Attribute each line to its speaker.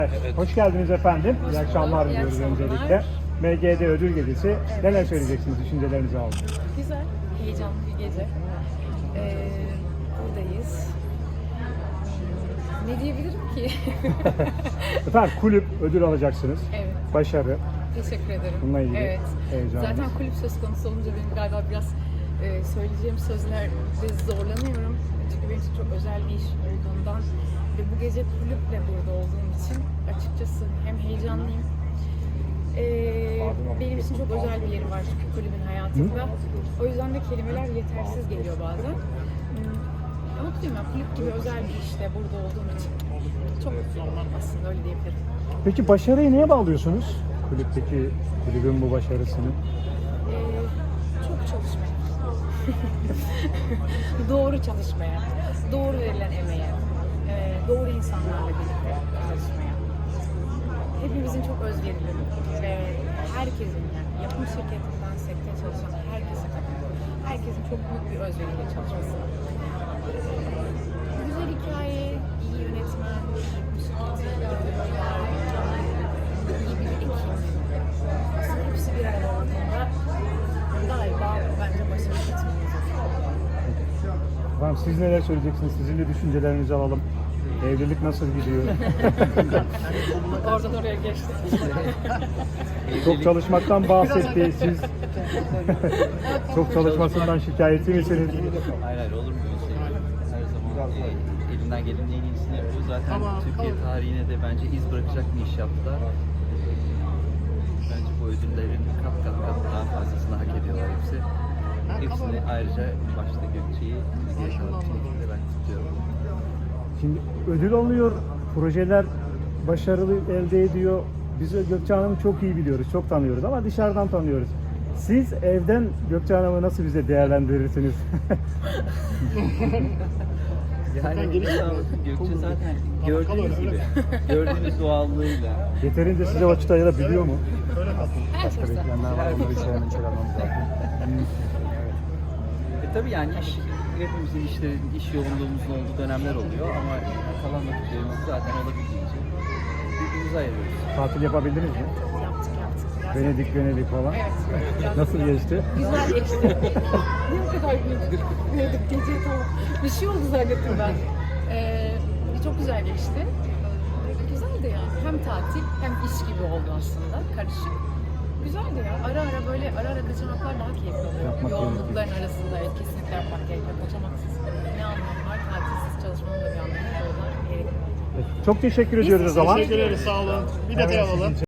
Speaker 1: Evet.
Speaker 2: Hoş geldiniz efendim. İyi akşamlar diliyoruz öncelikle. MGD Ödül Gecesi.
Speaker 3: Evet.
Speaker 2: Neler söyleyeceksiniz? Düşüncelerinizi aldım.
Speaker 3: Güzel, heyecanlı bir gece. Buradayız. Ne diyebilirim ki?
Speaker 2: Efendim kulüp ödül alacaksınız.
Speaker 3: Evet,
Speaker 2: Başarı.
Speaker 3: teşekkür ederim.
Speaker 2: Bununla ilgili
Speaker 3: Evet.
Speaker 2: heyecanlıyız.
Speaker 3: Zaten kulüp söz konusu olunca benim galiba biraz söyleyeceğim sözlerde zorlanıyorum. Çünkü benim için çok özel bir iş olduğundan ve bu gece kulüple burada olduğum için açıkçası hem heyecanlıyım. Benim için çok özel bir yeri var çünkü kulübün hayatımda. O yüzden de kelimeler yetersiz geliyor bazen. Mutluyum ya, kulüp gibi özel bir işte burada olduğum için. Çok mutluyum aslında, öyle diyebilirim.
Speaker 2: Peki başarıyı neye bağlıyorsunuz? Kulüpteki kulübün bu başarısını.
Speaker 3: Çok çalışmaya. Doğru çalışmaya, doğru verilen emeğe, doğru insanlarla birlikte çalışmaya. Hepimizin çok özverili ve herkesin, yani yapım şirketinden sekteye çalışan herkese katılıyorum. Herkesin çok büyük bir özveriyle çalışması. Güzel hikaye, iyi yönetmen, yapım şirketi, iyi bir ekip. Aslında hepsi bir arada olduğunda galiba bence başarı getirmeyiz.
Speaker 2: Efendim siz neler söyleyeceksiniz? Sizin de düşüncelerinizi alalım. Evlilik nasıl gidiyor?
Speaker 3: Oradan oraya geçtik.
Speaker 2: Çok çalışmaktan bahsetti. Siz çok çalışmasından şikayetçi misiniz?
Speaker 1: Hayır hayır, olur mu öyle şey? Her zaman elinden gelenin en iyisini yapıyor. Zaten Türkiye tarihine de bence iz bırakacak bir iş yaptılar. Bence bu ödüllerin kat daha fazlasını hak ediyorlar hepsi. Hepsini ayrıca başta Gökçe'yi, geri kalan bütün ekibi de ben tutuyorum.
Speaker 2: Şimdi ödül alıyor, projeler başarılı elde ediyor. Biz Gökçe Hanım'ı çok iyi biliyoruz, çok tanıyoruz ama dışarıdan tanıyoruz. Siz evden Gökçe Hanım'ı nasıl bize değerlendirirsiniz?
Speaker 1: Yani Gökçe zaten gördüğünüz doğallığıyla.
Speaker 2: Yeterince size vakit ayırabiliyor mu?
Speaker 3: Her
Speaker 2: Başka
Speaker 3: fırsat.
Speaker 2: bekleyenler var, onları içeriden çıkarmamız lazım.
Speaker 1: Tabii yani hepimizin iş yoğunluğumuzun olduğu dönemler oluyor ama kalan vakitlerimizi zaten olabildiğince birbirimize ayırıyoruz.
Speaker 2: Tatil yapabildiniz mi?
Speaker 3: Yaptık. Biraz
Speaker 2: Venedik falan.
Speaker 3: Evet.
Speaker 2: Nasıl geçti?
Speaker 3: Güzel geçti. Niye o kadar güldük? Gece tamam. Bir şey oldu zannettim ben. Çok güzel geçti. Güzeldi yani. Hem tatil hem iş gibi oldu aslında. Karışık. Güzeldi ya. Ara ara kaçamaklar daha keyifli oluyor.
Speaker 2: Yapmak
Speaker 3: Yoğunlukların arasında kesinlikle yapmak gerekiyor. Kaçamaksız ne anlamı var? Tatilsiz çalışmanın da bir anlamı var. O yüzden gerekiyor.
Speaker 2: Çok teşekkür ediyoruz o zaman.
Speaker 4: Teşekkür ederiz, sağ olun. Bir detay
Speaker 2: Evet,
Speaker 4: alalım.